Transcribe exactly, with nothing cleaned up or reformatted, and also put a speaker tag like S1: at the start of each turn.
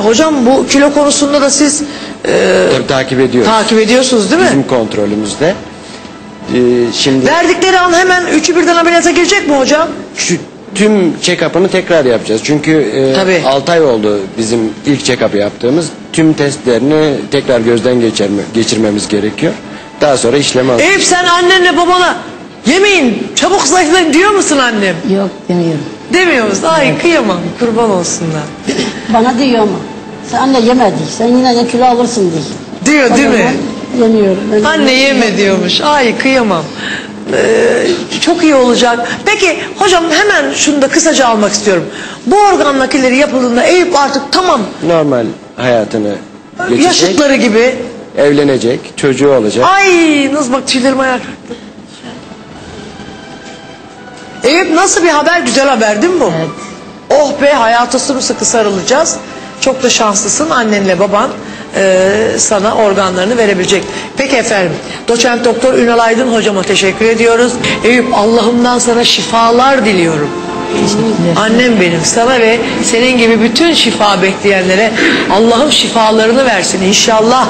S1: hocam bu kilo konusunda da siz e,
S2: Tabii takip ediyoruz.
S1: takip ediyorsunuz değil mi?
S2: Bizim kontrolümüzde. Ee, şimdi
S1: Verdikleri an hemen üçü birden ameliyata girecek mi hocam?
S2: şu tüm check-up'ını tekrar yapacağız. Çünkü
S1: Tabii.
S2: e, altı ay oldu bizim ilk check-up'ı yaptığımız. Tüm testlerini tekrar gözden geçirme, geçirmemiz gerekiyor. Daha sonra işlem alacağız.
S1: Eyüp sen annenle babana yemeyin çabuk zayıflayın diyor musun annem?
S3: Yok demiyorum.
S1: Demiyor musun? Ay kıyamam kurban olsunlar.
S3: Bana diyor ama sen anne yeme diyor. Sen yine de kilo alırsın diyor.
S1: Diyor
S3: O
S1: değil mi?
S3: zaman Yemiyorum. Ben
S1: Anne yeme diyormuş. Ay kıyamam. Ee, çok iyi olacak. Peki hocam hemen şunu da kısaca almak istiyorum. Bu organ nakilleri yapıldığında Eyüp artık tamam
S2: Normal hayatını geçecek.
S1: yaşıtları gibi.
S2: Evlenecek, çocuğu olacak.
S1: Ay nasıl bak tüylerim ayağa kalktı. Eyüp nasıl bir haber? Güzel haber değil mi bu?
S3: Evet.
S1: Oh be hayata sımsıkı sarılacağız. Çok da şanslısın annenle baban e, sana organlarını verebilecek. Peki efendim doçent doktor Ünal Aydın hocama teşekkür ediyoruz. Eyüp Allah'ımdan sana şifalar diliyorum. Annem benim sana ve senin gibi bütün şifa bekleyenlere Allah'ım şifalarını versin inşallah.